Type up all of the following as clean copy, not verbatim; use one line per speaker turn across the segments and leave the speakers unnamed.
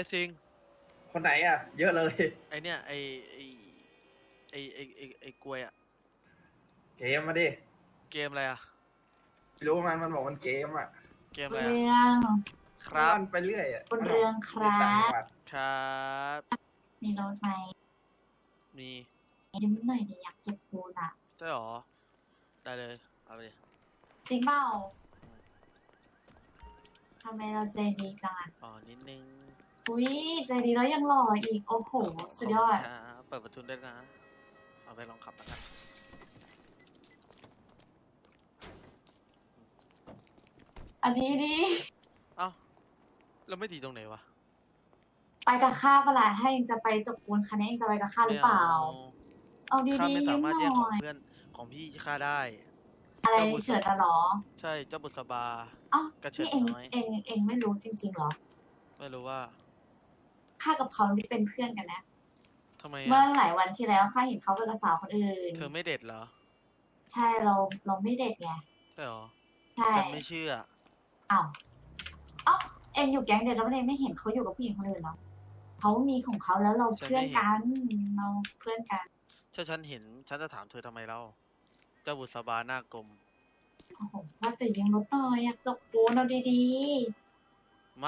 ซิง
คนไหนอ่ะเยอะเลย
ไอเนี่ยไอ้กล้วยอะ
เกมมาดิ
เกมอะไรอะ
ไม่รู้มันบอกมันเกมอ่ะ
เกมอะไร
เรื
อะ
อง
ครับ
มันไปเรื่อยอ่ะ
คุณเรืองครั
ต่างจัง
บ
หวัด
ครับ
มีรถไหม
มี
ยืมหน่อยดิอยากเก็บปูนอ่ะ
ใช่หรอได้เลยเอาไปดิ
จริงเปล่าทำไมเราใจดีจังอ่ะ
อ๋อนิดนึง
อุ้ยใจดีแล้วยังหล่ออีก โอ้โห สุดยอด
ขบคุณครับเปิดประตูด้วยนะเอาไปลองขับแล้วกัน
อันนี้ดิ
เอ้าแล้วไม่ดีตรงไหนวะ
ไปกับข้าเปะล่าถ้าเองจะไปจกปูนคันนี้เองจะไปกับข้าหรือเปล่า เอา
ข้า
ดี
ไม่
ๆ
สา
ยืม
มารถ
ห
แย่งข
น่
อง
อย
เพื่อนของพี่ข้าได้
อะไร
เจ้าบุษ
เฉิดอะเหรอ
ใช่เจ้าบุษบา
เอ้าก
ระเฉิด
นี่เอง
น้อย
เองไม่รู้จริงๆเหรอ
ไม่รู้ว่า
ข้ากับเขานี่เป็นเพื่อนกันนะ
ทำไม
เมื่อ
อะ
หลายวันที่แล้วข้าเห็นเขาไปกับสาวคนอื่น
เธอไม่เด็ดเหรอ
ใช่เราไม่เด็ดไง
ใช่หรอ
ใช่
ฉันไม่เชื่อ
อ้าวเอ็งอยู่แก๊งเดียวแล้วเอ็งไม่เห็นเขาอยู่กับผู้หญิงคนอื่นเหรอเขามีของเขาแล้วเรา
ฉัน
เพื่อน
ไม่เห็น
กันเราเพื่อนกัน
ถ้าฉันเห็นฉันจะถามเธอทำไมเล่าเจ้าบุษบาหน้ากลม
โอ้โหว่าแต่ยังรถหน่อยอยากจกปูนเอาดี
ไม่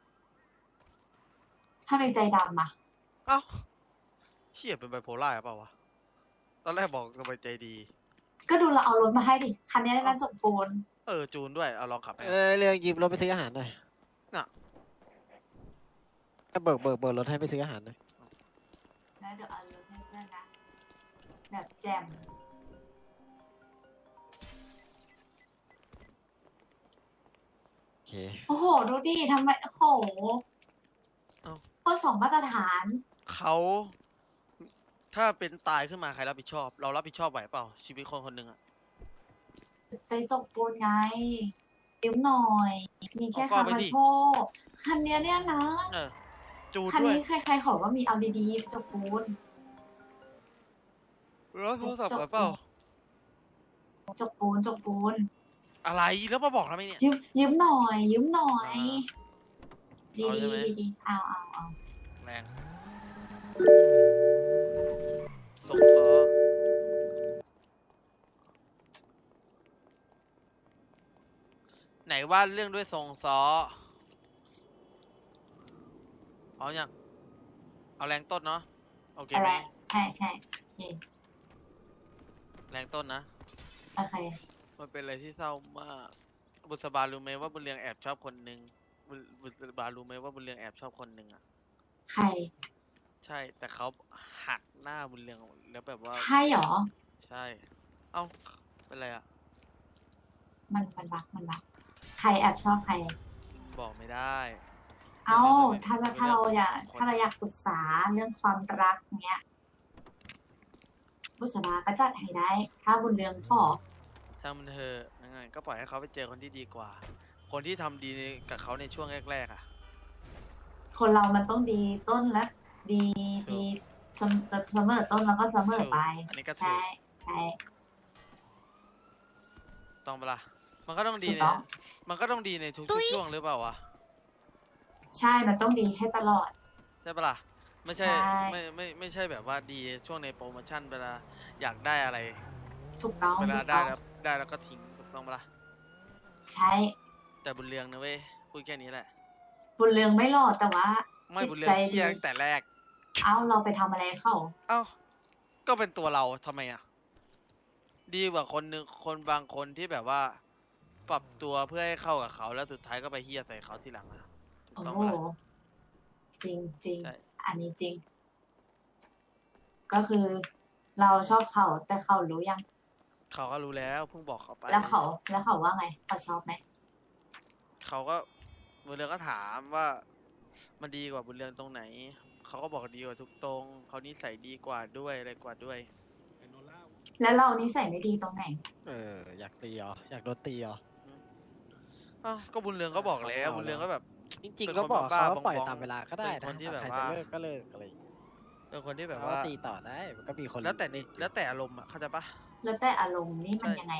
ๆถ้าเป็นใจดำอะ
เอ้าเชี่ยเป็นไบโพล่าหรือเปล่าวะ ตอนแรกบอกสบายใจดี
ก็ดูเราเอารถมาให้ดิคันนี้ได้น่าจกปูน
จูนด้วย เอาลองขับให้
เรื่องยืมรถไปซื้ออาหารหน่อย
น่ะ
เบิกรถให้ไปซื้ออาหารหน่อย
แล้วเดี๋ยวเอารถให้เพื่อนนะแบบแจ่ม
โอเค
โอ้โหดูดิทำไมโอ้โห
เอ้า
ข้อสองมาตรฐาน
เขาถ้าเป็นตายขึ้นมาใครรับผิดชอบ เรารับผิดชอบไหวเปล่า ชีวิตคนคนหนึ่งอะ
ไปจกปูนไงยืมหน่อย มีแค่
เอาก็
คำ
ไป
มา
ดิ
โชว์คันเนี้ยเนี่ยนะ
เออ จูน
คัน
ด้วย
นี้ใครๆขอว่ามีเอาดีๆไปจกปูน
แล้วโทรศัพท์ไหวเปล่า
จกปูน
อะไรแล้วมาบอกทำไมเนี่ย
ยืมหน่อย ดี
เอาใช่ไหม
ดีเอา
แรงส่งซอไหนว่าเรื่องด้วยทรงซอเอาอย่างเอาแรงต้นเนาะโอเค
อะ
ไห
ไร
ม
ใช่โอเค
แรงต้นนะ
โอเค
มันเป็นอะไรที่เศร้ามากบุษบารู้ไหมว่าบุญเรืองแอบชอบคนหนึ่งบุษบารู้ไหมว่าบุญเรืองแอบชอบคนหนึ่งอ่ะ
ใคร
ใช่แต่เขาหักหน้าบุญเรืองแล้วแบบว่า
ใช่เหรอ
ใช่ เอ้าเป็นไรอ่ะ
มันรักใครแอบชอบใคร
บอกไม่ได้
เอ้า
ไม่
ถ้า
ไม่
เราอยาก
คน
ถ้าเราอยากปรึกษาเรื่องความรักเนี้ยบุษบาก็จัดให้ได้ ถ้าบุญเรืองขอ
ช่างมันเถอะยังไงก็ปล่อยให้เขาไปเจอคนที่ดีกว่า คนที่ทำดีกับเขาในช่วงแรกๆอ่ะ
คนเรามันต้องดีต้นและดี
ถู
ดี
ก
เสมอต้นแล้วก็เสมอไป
อันนี้ก็ถู
ใช่
ก
ใช่
ต้องเปะล่ามันก็ต้องดี
ถูก
ใน
ต้อง
มันก็ต้องดีในทุกช่วงหรือเปล่าวะ
ใช่มันต้องดีให้ตลอด
ใช่ปะล่ะไม่ใช่
ใช่
ไม่ใช่แบบว่าดีช่วงในโปรโมชั่นเวลาอยากได้อะไร
ถูกต้อง
เวลา
ถูก
ได้
ต้อง
แล้วก็ทิ้งถูกต้องปะล่ะ
ใช่
แต่บุญเรืองนะเว้ยพูดแค่นี้แหละ
บุญเรืองไม่หลอดแต่ว่า
ไม่
จิต
บุญเรือง
ใจ
เฮีย
ดี
ตั้งแต่แรก
เอ้าเราไปทำอะไรเข้า
เอ้าก็เป็นตัวเราทำไมอ่ะดีกว่าคนนึงคนบางคนที่แบบว่า ปรับตัวเพื่อให้เข้ากับเขาแล้วสุดท้ายก็ไปเฮียใส่เขาทีหลังอ่ะถูก
โอ้
ต้อง
โห
ปะล่ะ
จริงจริง
ใช่
อันนี้จริง ก็คือเราชอบเขาแต่เขารู้ยัง
เขาก็รู้แล้วเพิ่งบอกเขาไป
แล้วเขาว่าไงเขาชอบไหม
เขาก็บุญเรืองก็ถามว่ามันดีกว่าบุญเรืองตรงไหนเขาก็บอกดีกว่าทุกตรงเขานิสัยดีกว่าด้วยอะไรกว่าด้วย
แล้วเรานิสัยไม่ดีตรงไหน
อยากตีเหรอ อยากโดนตีเหรอ
อ้าวก็บุญเรืองก็บอกแล้วบุญเรืองก็แบบ
จริง
เป็น
ๆ ก็
คน
บอก
บ้า
เขา
ๆ
ว่าปล่อย
บองๆ
ตามเวลาก็ได้
เป็น
นะ
คนที่แบบ
ใคร
ว่า
จะเลิกก็เลิกอะไรอย่างเงี้ย
เป็นคนที่แบบ
เขา
ว่า
ตีต่อได้มันก็มีคน
แล้วแต่อารมณ์อ่ะเข้าใจปะ
แล้วแต่อารมณ์นี่มัน
ใช่
ยังไง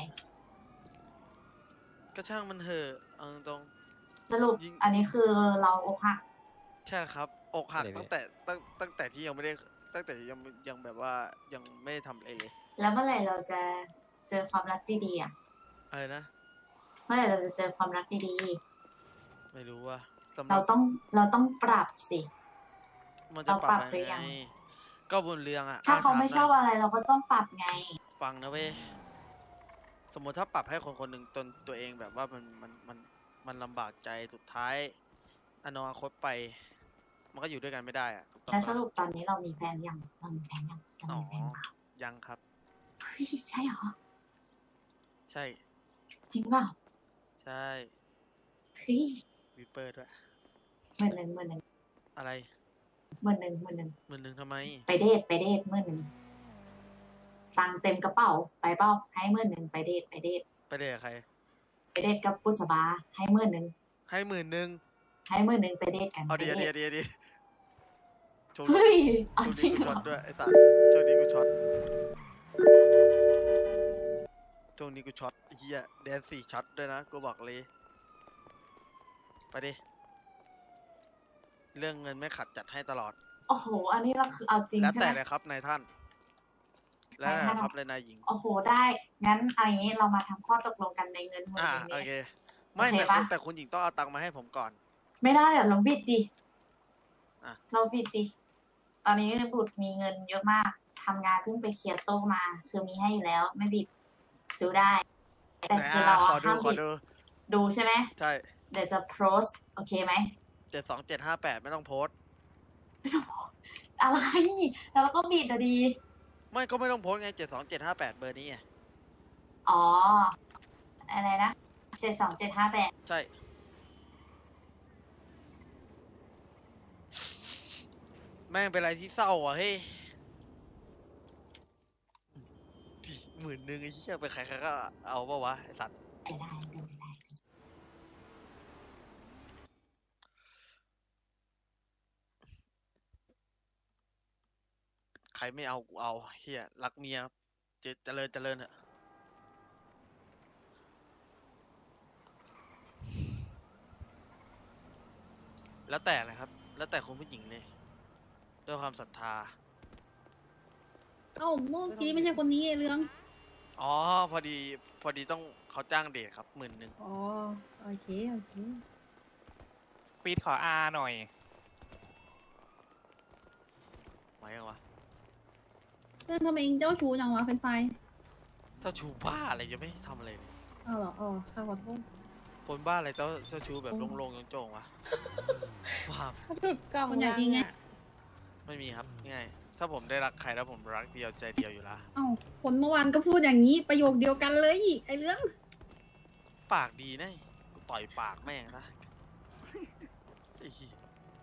ก็ช่างมันเถอะเอาตรง
สรุป
ยิ่ง
อันนี้คือเราอกหัก
ๆใช่ครับอกหัก
อะไร
ตั้งแต่ตั้งแต่ที่ยังไม่ได้ตั้งแต่ยังแบบว่ายังไม่ได้ทำอะไรเลย
แล้วเมื่อไหร่เราจะเจอความรักดีๆอ่ะ
อะไรนะ
เมื่อไหร่เราจะเจอความรักดี
ไม่รู้ว่าสำ
ๆ
หรั
เราต้องปรับสิ
มันจะ
เรา
ป
ป
รั
รั
บบ
หรือ
ยัง
ยัง
ไงก็บนเรืองอ่ะ
ถ้าเขา
ถ
ไม่
หน่ย
ชอบอะไรเราก็ต้องปรับไง
ฟังนะเว้ยสมมติถ้าปรับให้คนคนหนึ่งจนตัวเองแบบว่ามันลำบากใจสุดท้ายอนาคตไป มันก็อยู่ด้วยกันไม่ได้อะถูกต้อง
แล้วส
ปะ
รุปตอนนี้เรามีแฟนยังเรามีแฟนยังเรา
อ๋อ
มีแฟนเปล่า
ยังครับ
เฮ้ยใช่เหรอ
ใช่
จริงเปล่า
ใช่
เฮ้ย
วิปเปอร์ด้วย
หมื่นหนึ่ง
อะไร
หมื่นหนึ่ง
10,000ทำไม
ไปเดทหมื่นหนึ่งตังค์เต็มกระเป๋าไปเปล่าให้หมื่นหนึ่งไปเดท
ไปเดทกับใคร
ไปเดทกับปุจบาให้หมื่นหนึ่ง
ให้10,000
ให้หมื่นหนึ่งไปเดทกัน
เอา
ไป
ดี
เดท
ดีโชว์
เฮ้ยเอา
โชว์
จริ
ดี
ง
กู
เหร
ช็อ
อ
ตด้วยไอ้ตัดโชว์ดีกูช็อตโชว์นี้กูช็อตไอ้เฮียแดน4ช็อตด้วยนะกูบอกเลยไปดิเรื่องเงินไม่ขัดจัดให้ตลอด
โอ้โห อันนี้เราคือเอาจริง
แล้ว
ใช่
แต่
ไหม
เลยครับนายท่าน แล้ว
นาย
แต่
ท่าน
ครับเลยนายหญิง
โอ้โหได้งั้นเอาอย่างนี้เรามาทำข้อตกลงกันในเงินหมื่น
อ่า
หนึ่ง
โอ
นี้
เค ไม่
โอเค
แต่
ปะ
แต่คุณหญิงต้องเอาตังค์มาให้ผมก่อน
ไม่ได้เดี๋ยวเราบิดดิ
อ่ะ
เราบิดดิ ตอนนี้บุตรมีเงินเยอะมากทำงานเพิ่งไปเคลียร์โต๊ะมา คือมีให้อยู่แล้ว ไม่บิด ดูได้ แต่
ไหน
คือเรา
ข
อะ
อดู
ห้าม
ขอ
บิด
ดู
ดูใช่ไหม
ใช่
เดี๋ยวจะโพสโอเคไหม
72758ไม่ต้องโพสต์
อะไร แล้วเราก็บิดอะดี
ไม่ก็ไม่ต้องโพสต์ไง72758เบอร์นี้ไง
อ๋อ อะไรนะ72758
ใช่แม่งเป็นอะไรที่เศร้าอ่ะเฮ้ย10,000ไอ้เหี้ยไปใครๆก็เอาปะวะไอ้สัตว์
ไม่ได้เป็นไปได้
ใครไม่เอากูเอาเฮียรักเมียเจริญเถอะแล้วแต่เลยครับ แล้วแต่คุณผู้หญิงเลยด้วยความศรัทธา
เอ้าเมื่อกี้ไม่ใช่คนนี้ไอ้เรื่อง
อ๋อพอดีต้องเขาจ้างเดทครับ10,000
อ๋อ โอเค โอเค
ปีดขออาหน่อย
ไหมยังวะ
เรื่องทำไมเองเจ้าชู้จังวะเป็นไฟ
เจ้าชูบ้าอะไรยังไม่ทำอะไรเลย
อ้าวเหรออ๋อข้าขอโทษ
คนบ้าอะไรเจ้าชูแบบโลงๆโจงๆวะบ้า
คนอยากยิงไง
ไม่มีครับง่ายถ้าผมได้รักใครแล้วผมรักเดียวใจเดียวอยู่ละ
เอ้าคนเมื่อวานก็พูดอย่างนี้ประโยคเดียวกันเลยไอ้เรื่อง
ปากดีนะกูต่อยปากแม่งนะไอ้เหี้ย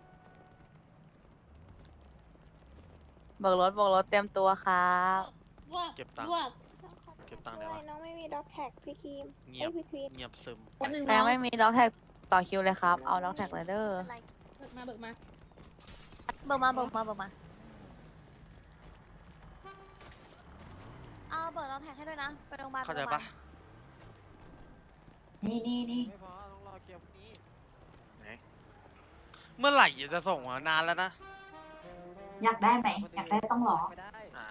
เบิกรถเตรียมตัวครับ
เก็บตังค์เก็บตังค์ได้วะ
น้องไม่มีด็อกแท็กพี่ครีม
เงียบ
พี่ควีน
เงียบซึม
คนหนึ่ง
แม่ไม่มีด็อกแท็กต่อคิวเลยครับ เอาด็อกแท็กเลยเด้อ
เบิกมาเบิกมา
เบิกมาเอาเบิกด็อกแท็กให้ด้วยนะ ไปโรงพยาบาล
เข้าใจปะ
นี่
ไม่พอต้องรอเคลียร์พรุ่งนี้
ไหนเมื่อไหร่จะส่งมานานแล้วนะ
อยากได้ไหม อยากได้ต้องรอ
ไม่ได้
อ่า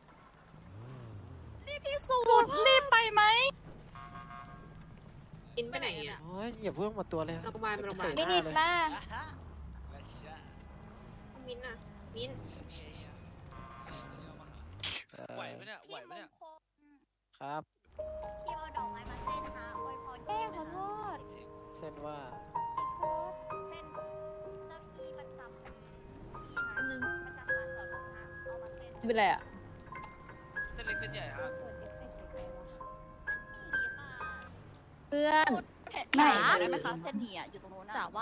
กินไปไหนอ่ะ
โอ้ยอย่าเพิ่งหมดตัวเลย
โรงพยาบาลไปโรงพยาบาล
ไม่ดิดมา
มิ้นท์อ่ะ มิ้นท์
ไหวไหมเนี่ยไหวไหมเนี่ย
ครับ
คิวเอาดอกไม้มาเส้นฮะอวยพรคิวขอโทษ
เส้นว่า
เส้นเจ้าที่ประจำที่
คนหนึ่ง
ประจำลานจอดรถนะเอามาเส้น
เป็นไรอ่ะ
เส้นเล็กเส้นใหญ่ฮะ
เพื่อน
ไม่
ได้ไหมคะเส้นหมี่อ่ะอยู่ตรงโน้นจ๋าว่า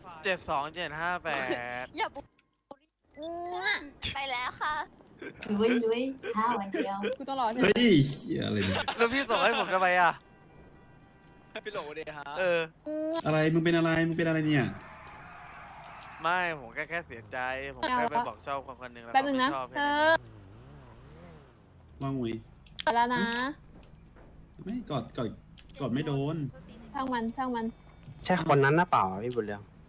72758
อย่าบุกไปแล้วค่ะ
ลุยข้าววันเดียว
กูต้องรอใช่ไหม
เฮ้ยเหี้ยอะไรเนี่ย
แล้วพี่ส่งให้ผมทำไมอ่ะ
พี่โหลดีฮะ
เออ
อะไร มึงเป็นอะไร มึงเป็นอะไรเนี่ย
ไม่ผมแค่เสียใจ ผมแค่ไปบอกชอบคนหนึ่งแล้ว
แป๊บ
เขา
นึง
ไม่
นะ
ชอบ
เธ
แค่
อ
นั้นเอง
ว่างงุย
ไปแล้วนะ
ไม่กอดไม่โดน
ช่างมัน
ใช่คนนั้นนะเปล่าพี่บุญเรือง
เ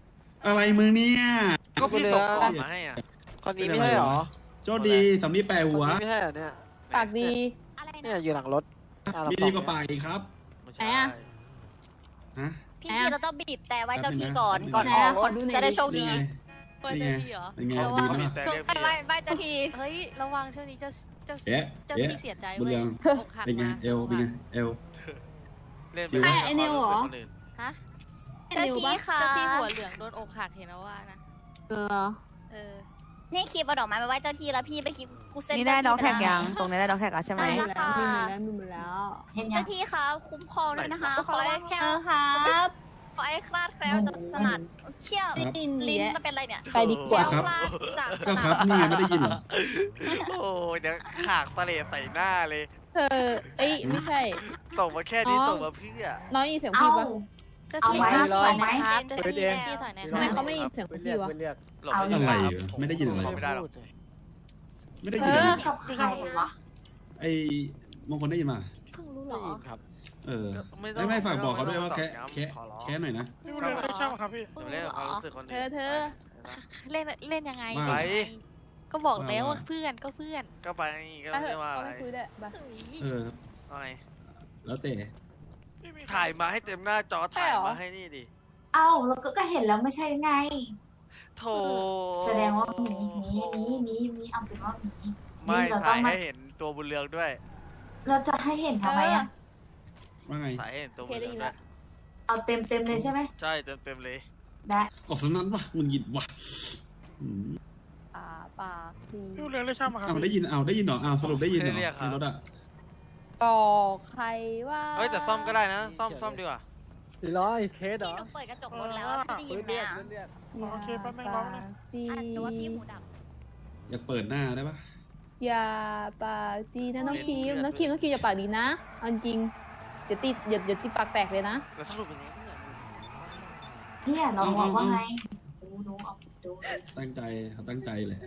อะไรมึงเนี่ย
ก็พี่ส่งของมาให้อ่ะ
คนนี้ไม่ใช่เหรอ
โจดีสำลีแปร
คน
หัว
นี้ไม่ใช่เหรอเนี่ย
ปากดี
อะไร
เนี่ย
นะ
อยู่หลังรถหน้าเรา
มีดีกว่าปากอีกครับ
ไม่
ไหน
ใช่
อะ
ฮะ
พี่เราต้องบีบแต่ไว้เจ้าที่ก่อน
แป๊บนึงนะ
ก่อนออก
ขอดูหน่อย
จะได้โชค
นี่
ดี
ไง
เปิด
นี่
เจ้า
ไง
ที่เหรอ
เป็นไง
เขา
ดี
เขา
ไหม
บีบ
ล่ะ
แต่
ช่วง
เรียก
ไป
พี่
ไหว้
อะ
ไหว้เจ้าที่
เฮ้ย ระวังช่วงนี้เจ้า
เอ๊ะ
เจ้า
เอ๊ะ
ที่เสียใจ
บุญ
เว้
เรื
ย
อง
อกหัก
เป็นไง
มา
เอวเป็นไงเอว
เล่นไป
ใคร
ไอ้นิวเหรอ
คนอื่น
ฮะ
ไอ้
เจ้า
นิว
ที่
ปะ
ค่ะ
เจ้าที่หัวเหลืองโดนอกหักเห็นแล้วว่านะ
เออ
เออ
นี่คลิปเอาดอกไม้ไปไหว้เจ้าที่แล้วพี่ไปคลิปกูเซ็น
นี่ได้ด็อกแท็ก
เจ้า
ยัง
ที่
ตรงนี้ได้ด็อกแท็กแล้วใช่ไหม
มีหมดแล้วมีหมดแล้วมีหมดแล้ว
เห็นยั
เจ้าง ที่คะคุ้มครองด้วยนะคะขอให้แค่
เออครับ
ขอให้คลาดแคล้วจากสนัดเชี่ยว
ครับ
ได้ยิน
ลิ้น
แยะ
มันเป็นอะไรเนี่ย
ไปดีกว่า
เชี่ยวคลาดจากส
ก็ค
นั
รับ
ด
นี่ไงไม่ได้ยินเหรอ
โอ้ยเดี๋ยวขากตะเลใส่หน้าเลย
เธอเอ้ยไม่ใช่
ส่งมาแค่นี้
อ๋อ
ส่งมาเพื่อ
น้อยยินเสียง
เอา
พี่ปะ
เจ้า
เอา
ที่
ไว้
ถอยห
เอาไว้
นะครับเจ้าที่ถอยหนะค
ทำ
รับ
ไมเขาไม่ยินเสียงพี่วะ
หลบไม่
อะไร
ได้
อยู่ไม่ได้ยินอะไร
เขาไม่ได้หรอก
ไม่ได้
เอ
ยิน
อ
เลย
กับใครวะ
ไอ้มงคลได้ยินมา
เพิ่งรู้เหร
ได้
อ
ยินครับ
เออ
ไม่ต้อง
ไม่ฝากบอกเขาด้วยว่า
ไม่
แค่
ต้อง
แค่
ขอร้อง
แค่หน่อยนะ
พี่บุญเรืองใช่ไหมครับพี่
เดี๋ยวเล่นกับความรู้สึกคนอื่น
เธอ
เล่นเล่นยังไง
ว่า
เล่นยังไงก็บอกแล้ว
ว่า
ว่าเพื่อนก็เพื่อน
ก็ไปก็
ไป
ไม่
เถ
ได้
อะ
ว่า
เขา
อะไร
ไม่คุยด้วยไป
เออ
ว่าไง
แล้วแต่
ถ่ายมาให้เต็มหน้าจอ
ใช่
ถ่าย
เหรอ
มาให้นี่ดิ
เอ้าเราก็เห็นแล้วไม่ใช่ไง
โถ
แสดงว่ามีเอาเป็นว่ามี
ไม่
เราต้
ถ่า
อง
ย
มา
ให้เห็นตัวบุญเรืองด้วย
เราจะให้เห็นทำไมอ่ะ
ว่าไง
ถ่ายให้เห็นตัว
โอเค
บุญ
ได้
เรือง
ยิน
ด้ว
ละ
ย
เอาเต็มเลยใช่ไหม
ใช่เต็มเลย
ได้
กดสนั้นวะมึงหยิบวะอืม
ปากดี
พี่บุญเรืองเล่นใช่ไหมครับ
เอาได้ยินเอาได้ยินเหรอเอาสรุปได้ยินเหรอในรถอ่ะ
บอกใครว่า
เอ้ยแต่ซ่อมก็ได้นะ ซ่อมดีกว่า
400เคสเหร
พี่
อ
หนูเปิดกระจกรถแล้วอะพี่ได้ยินไหมอ่ะ
อย่า
โอเคแป๊บนึงร้องนะ
ดี
หรือว่าพี่หูดับ
อยากเปิดหน้าได้ปะ
อย่าปากดีนะน้องคิมน้องคิมอย่าปากดีนะเอาจริงเดี๋ยวตีปากแตกเลยนะ
แล้วสรุปเป็นยังไงเนี่ย
เนี่ยเราบอกว่าไงดูเอาดู
ตั้งใจเขาตั้งใจแหละ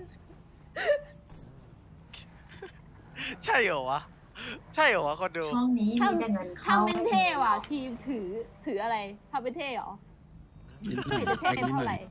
ใช่เหรอวะ ใช่เหรอวะคนดู
ช่องนี้มีแต่เงินเข้า
ทำเป็นเท่ว่ะทีมถืออะไรทำเป็นเท่เหรอ
นิดหน่
ไม่
อย
เห็นจะเท่
นิด
เท่า
ห
ไห
น่
ร่
อย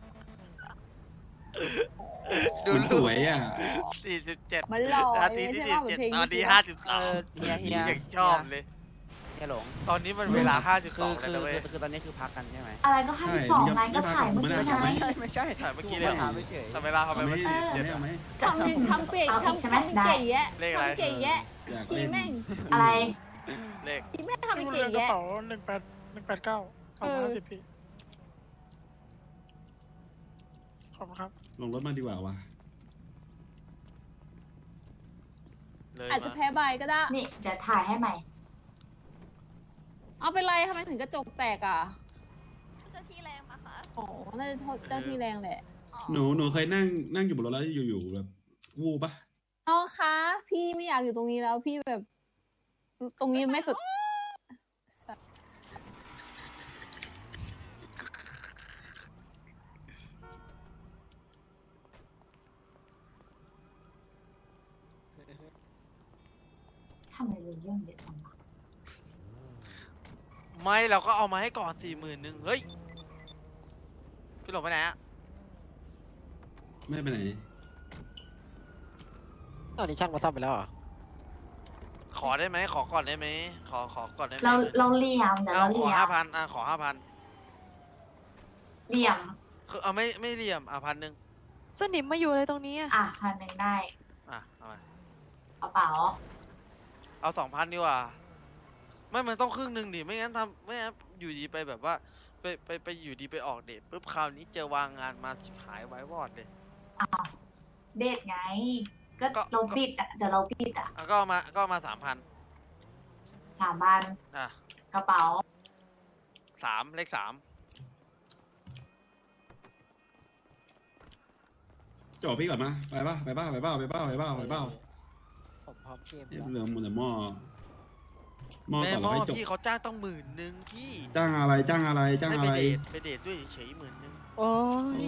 ดู
มันสวยอ่ะ
47
มันหล่อ
นาที
ไม่
ที่
ใช่ว่าเหมือนเพลง
47ตอนนี้
เฮีย
52ยังชอบเลย
เฮียหลง
ตอนนี้มันเวลา
คือ
52แล้วนะเว้ย
คือตอนนี้คือพักกันใช่ไหม
อะไรก็52ไงก็ถ่ายเมื่อกี้
ไม่
ใช่ไหม
ใช่
ไม่ใช่
ถ่ายเมื่อกี้เลยเหรอ
ถามไม่เฉย
แต่เวลาทำไม
เอาไหม
มัน 47
เอาไหม
ทำหนึ่งทำเก่ง
เอาอีกใช่ไหม
ทำเป็นเก่งแยะ
เลขอะไร
ทำเก่งแยะ
อยาก
ที
เล่น
แม่ง
อะไร
เลข
ทีแม่งทำเป็
พี่
น
บุญ
เก่
เรือง งกระ
แยะ
เป๋า18189 250พี่ขอบคุณครับ
ลงรถมาดีกว่าวะ
เลย
อาจจะ
มา
แพ้ใบก็ได้
นี่เดี๋ยวถ่ายให้ใหม่
เอาเป็นไรทำไมถึงกระจกแตกอ่ะ
เจ้าที่แรงปะคะ
อ๋อน่าจะโทษเจ้าที่แรงแหละ
หนูเคยนั่งอยู่บนรถแล้วอยู่ๆแบบวูบปะ
น้องคะพี่ไม่อยากอยู่ตรงนี้แล้วพี่แบบ ตรงนี้ไม่สุด
ทำไมเรื่องเด็ดจังวะ
ไม่เราก็เอามาให้ก่อน 41,000เฮ้ย พี่หลงไปไหนอะ
ไม่ไปไหน
ตอนนี้ช่างมาซ่อมไปแล้วเหรอ
ขอได้ไหมขอก่อนได้ไหมขอก่อนได้ไหม
เราเหลี่ยมเดี๋ยว
เอา
เราเห
ขอ
ลี่ยม
5,000อ่ะขอ 5,000
เหลี่ยม
คือเอาไม่เหลี่ยม1,000
สนิมมาอยู่เลยตรงนี้
อ่ะ1,000ได้
อ่ะเอามา
กระเป๋า
เอา 2,000 ดีกว่า ไม่มันต้องครึ่งหนึ่งดิไม่งั้นไม่งั้นอยู่ดีไปแบบว่าไปอยู่ดีไปออกเดทปุ๊บคราวนี้เจอวางงานมาชิบหายไว้วอดเลย
เดทไง ก็
ก็
เราปิดอ่ะเดี๋ยวเราปิดอ่ะ
อ่ะก็เอามา 3,000
3,000
อ่ะ
กระเป๋า
3เลข 3
จบพี่ก่อนมาไปป่ะไปเป้า
ผมพร้อมเกม
เอ้ย
แล้ว
เรื่องมันแต่หม้อก่
แม่
อน
ห
แล้ว
ม้อ
ให้จบ
พี่เขาจ้างต้อง10,000พี่
จ้างอะไรจ้างอะไร
ให้ไปเดทด้วยเฉยๆ10,000
โอ้ย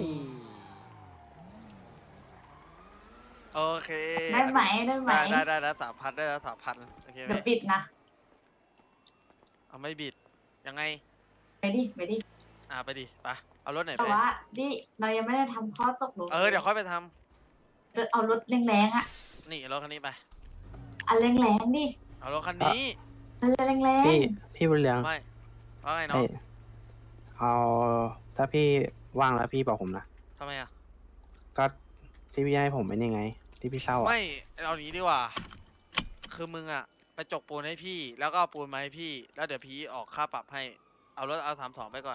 โอเค
ได้ไหมได้ไหม
ได้แล้ว3,000ได้แล้ว3,000โอเคไหม
เดี๋ยวปิดนะ
เอาไม่บิดยังไง
ไปดิ
ไปดิไปเอาเอารถไหน
แต่
ไป
ว่าดิเรายังไม่ได้ทำข้อตกลง
เดี๋ยวค่อยไปทำ
จะเอารถแรงๆอ่ะ
นี่รถคันนี้ไป
อันแรงๆดิ
เอารถคันนี้
อันแรง
พี่บุญเรือง
ไม่ว่าไงน้อง
เอ้ยเอาถ้าพี่ว่างแล้วพี่บอกผมนะ
ทำไมอ่ะ
ก็ที่พี่ให้ผมเป็นยังไง ที่พี่เช่าอะ
ไม่เอาอย่างนี้ดีกว่า คือมึงอ่ะ ไปจกปูนให้พี่ แล้วก็เอาปูนมาให้พี่ แล้วเดี๋ยวพี่ออกค่าปรับให้ เอารถเอา32ไปก่อน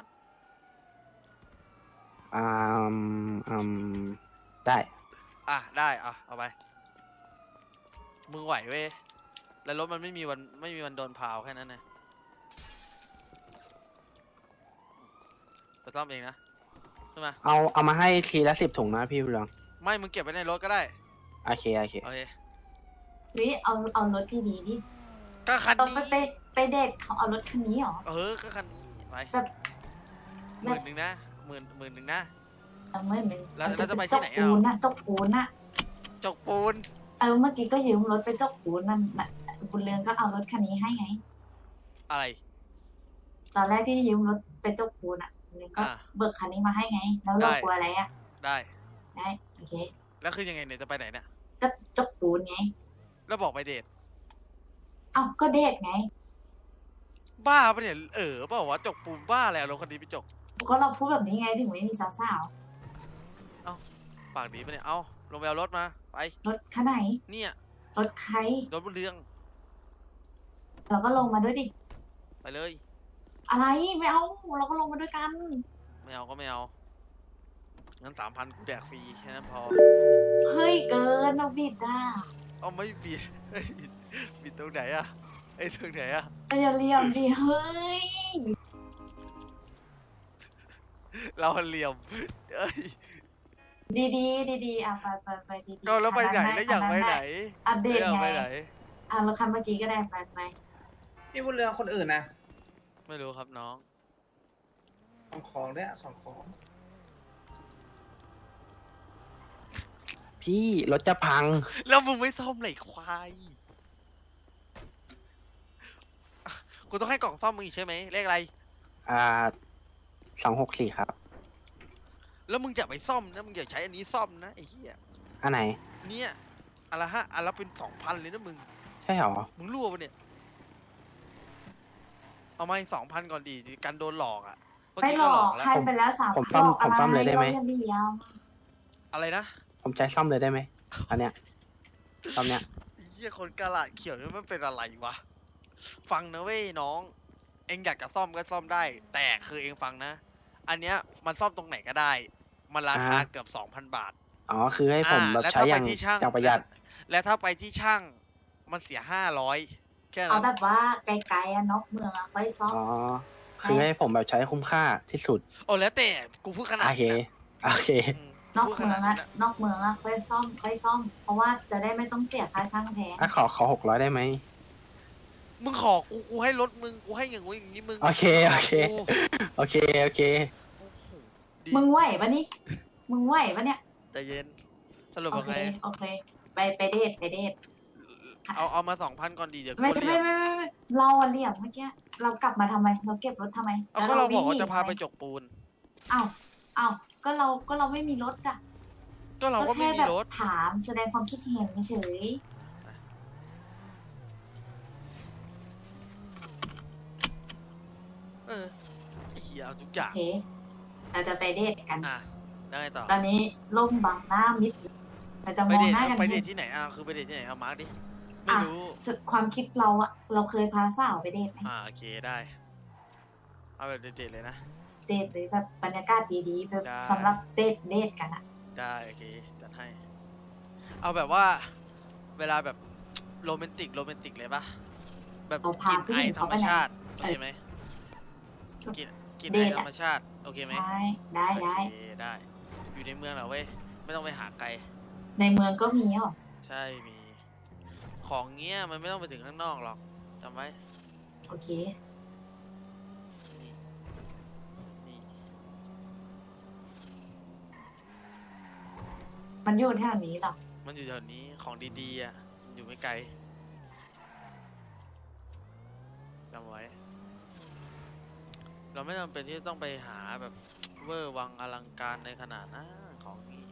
อืได้
ได้เอาไป มึงไหวเว้ย แล้วรถมันไม่มีวันโดนพาวแค่นั้นนะจะซ่อมเองนะใช่ไหม
เอามาให้ทีละ10 ถุงนะพี่บุญเรือง
ไม่ มึงเก็บไว้ในรถก็ได้
โอเค
โอเค
ๆนี่เอารถที่ดีดิ
ก็คัน
ต้อง
นี้
ไปเดทเขาเอารถคันนี้เหรอ
ก็คันนี้ไป
แบบ
หมื่นหนึ่งนะหมื่นหนึ่งนะ
ไม่เป็น
แล้วจะไปที่ไหน
จกปูน
อ่ะ
น่ะจกปูนน่ะ
จกปูน
เมื่อกี้ก็ยืมรถไปจกปูนนั่นน่ะบุญเรืองก็เอารถคันนี้ให้ไง
อะไร
ตอนแรกที่ยืมรถไปจกปูนอ่ะบุญเรืองก็
อ่า
เบิกคันนี้มาให้ไง แล้วเรา
ได้
กลัวอะไรอ่ะ
ได้
ได้โอเค
แล้วคือยังไงเนี่ยจะไปไหนเนี่ย
ก็จกปูนไง
แล้วบอกไปเดท
ก็เดทไง
บ้าปะเนี่ยเปล่าวะจกปูนบ้าอะไรเอารถคันนี้ไปจก
ก็เราพูดแบบนี้ไงถึงไม่มีสาว
ปากดีปะเนี่ยเอาลงไปเอารถมาไป
ๆรถคันไหน
เนี่ย
รถใคร
รถบนเรือง
เราก็ลงมาด้วยดิ
ไปเลย
อะไรไม่เอาเราก็ลงมาด้วยกัน
ไม่เอาก็ไม่เอางั้น3,000กูแดกฟรีแค่นั้นพอ
เฮ้ยเกินเราบิดอ่ะ
เอาไม่บิดเฮ้ยบิดตรงไหนอะตรงไหนอะ
อย่าเหลี่ยมดิเฮ้ย
เราเหลี่ยม
ดีอ่ะไปดี
ก็แล้วไปไหนแล้วอยากไปไหน
อัปเดต
อยาก
ไง
ไปไหน
เราคันเมื่อกี้ก็ได้ไป
พี่บุญเรืองคนอื่นนะ
ไม่รู้ครับน้อง
ส่งของด้วยส่งของ
พี่รถจะพัง
แล้วมึงไม่ซ่อมไหนควายกูต้องให้กล่องซ่อมมึงอีกใช่ไหมเลขอะไร
264 ครับ
แล้วมึงอย่าไปซ่อมนะมึงอย่าใช้อันนี้ซ่อมนะไอ้เหี้ย
อันไหน
เนี่ยอันละอันละเป็น2,000เลยนะมึง
ใช่เหรอ
มึงรั่วปะเนี่ย เอามา2,000ก่อนดีกันโดนหลอกอ่ะเมื่อ
ไม่
กี้
หล
ก็หล
อ
อก กแล้ว
ใครไปแล้ว3
ผมซ่อมเลยได้ไหม
เราเดียว
อะไรนะ
ผมใช้ซ่อมเลยได้ไหม อันเนี้ยซ่อมเนี้ย
ไอ้เหี้ยคนกระหลาดเขียวนี่มันเป็นอะไรวะ ฟังนะเว้ยน้อง เองอยากจะซ่อมก็ซ่อมได้ แต่คือเองฟังนะ อันเนี้ยมันซ่อมตรงไหนก็ได้ มันราคาเกือบ 2,000 บาท
อ๋อ คือให้ผมแบบ
แล้ว
ใช้
ถ้า
อ
ไป
ย่าง
ที่ช่าง
อย่างประหยัด
และถ้าไปที่ช่างมันเสีย500แค่
เอา
นั้น
แบบว่าไกลๆนอกเมืองค่อยซ่อม
อ๋อ คือให้ผมแบบใช้คุ้มค่าที่สุด
โอ้แล้วแต่กูพูดขนาด
โอเค
นี้นะ
โอเค
นอก
พูดข
เมื
นา
อ
ด
ง
นี้
อะ
นะ
นอกเมืองอะค่อยซ่อม เพราะว่าจะได้ไม่ต้องเสียค่าช่างแพง
ถ้าขอ600ได้ไหม
มึงขอกูให้รถมึงกูให้อย่างงู้นอย่างนี้มึง
โอเค โอเค
กู
โอเค โอเค
โอ้โหดี
มึงไหวปะนี่ มึงไหวปะเนี่ย
ใจเย็นสรุป
โอ
ว่า
เค
ไง
โอเค ไปเดท
เอามา2,000ก่อนดีเดี๋ยวกู
ไม่
เรียก
เราอะเหลี่ยมเมื่อกี้ เรากลับมาทำไม เราเก็บรถทำไม
เอาก็เราบอกว่า
วิ่งหนี
จะพาไป
ทำม
จกปูน
อ้าวก็เราไม่มีรถอะ
ก็เราก็ไม่
แค่
มี
แบบ
รถ
ถามแสดงความคิดเห็นเฉย
ไอ้เหี้ยเอาทุกอ
โอย่าง เค เราจะไปเดทกัน
ได้ไงต่อ
ตอนนี้ล่มบังหน้ามิดเราจะ
ไป
มอง
เดท
หน้ากัน
ไปเด
นิ
ท
ด
ที่ไหนคือไปเดทที่ไหนเอามาร์กดิไม่รู้
ความคิดเราอะเราเคยพาสาวไปเดทไหม
โอเคได้ เอาแบบเดทเลยนะ
เดทเลยแบบบรรยากาศดีๆแบบ
ได้
สำหรับเดทกันอะ
ได้โอเคจัดให้ เอาแบบว่า เวลาแบบโรแมนติกเลยปะแบบ
เราพา
กิน
ผู้
ไอ
หญิง
ธร
เขา
ร
ไป
ม
ไหน
ชาติโอเคไหมกิน
เด
ไอ
ท
ธร
อะ
รมชาติโอเคไหม
ใช่ได้
โอเคได้ อยู่ในเมืองเหรอเว้ยไม่ต้องไปหาไกล
ในเมืองก็มีหรอ
ใช่มี ของเงี้ยมันไม่ต้องไปถึงข้างนอกหรอกจำไว้
โอเค
นี่นี่
มันอยู่แถวนี้หรอ
มันอยู่แถวนี้ของดีๆอยู่ไม่ไกลจำไว้ เราไม่จำเป็นที่ต้องไปหาแบบเวอร์วังอลังการในขนาดนั้นของนี้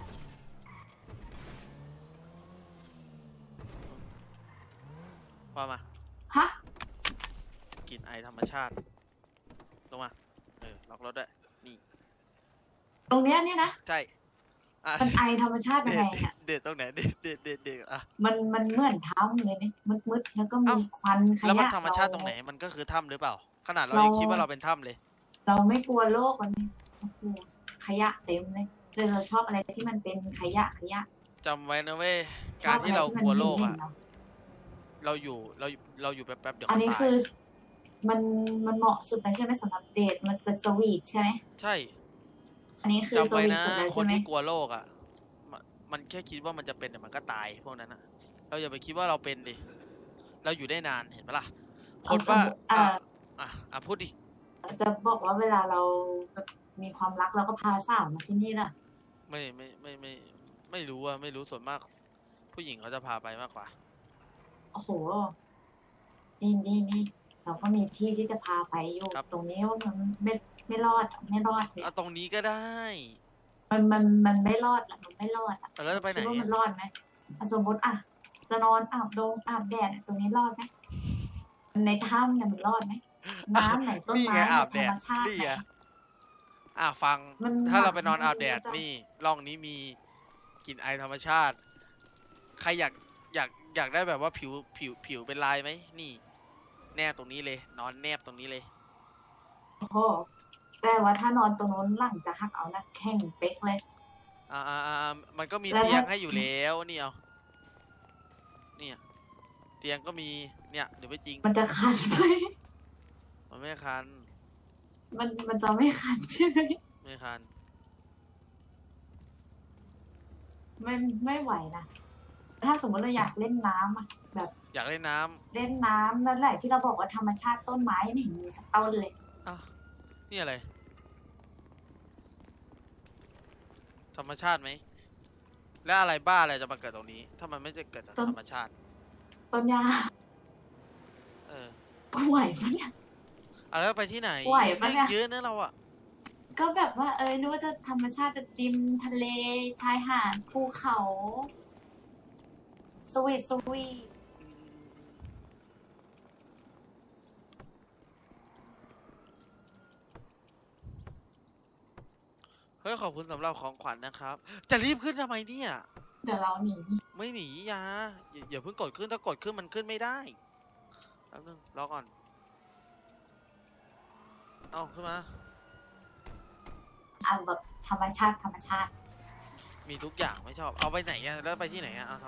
ว่ามา
ฮะ
กลิ่นไอธรรมชาติ ลงมา ล็อกรถด้วย นี่
ตรงเนี้ยเนี่ยนะ
ใช่อ่ะ
มันไอธรรมชาติยังไงอะ
เด็ดตรงไหน เด็ดอ่ะ
มันเหมือนถ้ำเลยนี่มืดๆแล้วก็มี
เอ้า
ควันข
แล้วมัน
ยะ
ธรรมชาติตรงไหน มันก็คือถ้ำหรือเปล่า ขนาดเรา
เรายั
ยังคิดว่าเราเป็นถ้ำเลย
เราไม่กลัวโลกมันโอ้โหขยะเต็มเลยเลยเราชอบอะไรที่มันเป็นขยะ
จำไว้นะเว้ย
ช
กา
อ
ร
บ
ที่
อะไร
เรา
ที่
ก
มัน
ลัวโลก
เหม็
อ่ะ
นๆเนาะ
เราอยู่แป๊บๆเดี๋ยว
อัน
เขา
นี้
ตาย
คือมันเหมาะสุดเลยใช่ไหมสำหรับเดทมันจะสวีทใช่ไหม
ใช่
อันนี้คือ
จำ
ส
ไว้
วีท
นะ
สุดเลย
ค
ใช่
น
ไหม
ที่กลัวโลกอ่ะ มันแค่คิดว่ามันจะเป็นแต่มันก็ตายพวกนั้นอ่ะ เราอย่าไปคิดว่าเราเป็นดิ เราอยู่ได้นานเห็นปะล่ะ คนว่า พูดดิ
จะบอกว่าเวลาเราจะมีความรักเราก็พาสาวมาที่นี่ล่ะ
ไม่รู้อ่ะ ไม่รู้ส่วนมาก ผู้หญิงเขาจะพาไปมากกว่า
โอ้โหนี่เราก็มีที่ที่จะพาไปอยู่
ครับ
ตรงนี้ว่ามันไม่รอดเลย
เอาตรงนี้ก็ได้
มันไม่รอดละมันไม่รอดอะ
แล้วจะไปไหน
คิดว่า
อะ
มันรอดไหมสมมติจะนอนอาบแดดตรงนี้รอดไหมในถ้ำเนี่ยมันรอดไหมน้ำไหนต้น
นี่
ไม้
ไง
ไหน
อาบ
ธ
แด
ร
ด
รมชาติ
นี่
ไหน
ไงฟัง
มัน
ถ้าเรา
หมัก
ไปนอนอาบแดด
ไม่รู้จะ
นี่ร่องนี้มีกลิ่นไอธรรมชาติ ใครอยากได้แบบว่าผิวเป็นลายไหมนี่ แนบตรงนี้เลย นอนแนบตรงนี้เลย
โอ้โหแต่ว่าถ้านอนตรงนู้นหลังจะหักเอานะแข้งเป๊กเลย
มันก็มี
แล้ว
เตียง
ถ้า
ให้อยู่แล้วนี่เอาเนี่ยเตียงก็มีเนี่ยหรือไม่จริง
มันจะคันไหม
มันไม่คัน
มันจะไม่คันใช่ไหม
ไม่คัน
ไม่ไหวนะถ้าสมมติเราอยากเล่นน้ำอะแบบ
อยากเล่นน้ำ
เล่นน้ำนั่นแหละที่เราบอกว่าธรรมชาติต้นไม้ไม่เห็นมีสักต้นเลย
อ้าวนี่อะไร ธรรมชาติไหม แล้วอะไรบ้าอะไรจะมาเกิดตรงนี้ ถ้ามันไม่จะเกิดจาก
ต้น
ธรรมชาติ
ต้นยา
เออ
ไหวปะเนี่ย
แล้วไปที่ไหน
ไหวปะเนี่ย
เยอะนะเราอะ
ก็แบบว่านึกว่าจะธรรมชาติจะริมทะเลชายหาดภูเขาสวีท
เฮ้ยขอบคุณสำหรับของขวัญนะครับ จะรีบขึ้นทำไมเนี่ย
เดี๋ยวเราหนี
ไม่หนีอย่าเพิ่งกดขึ้นถ้ากดขึ้นมันขึ้นไม่ได้แป๊บนึงรอก่อน เอาขึ้นมา
แบบธรรมชาติ
มีทุกอย่างไม่ชอบ เอาไปไหนอะแล้วไปที่ไหนอะเอา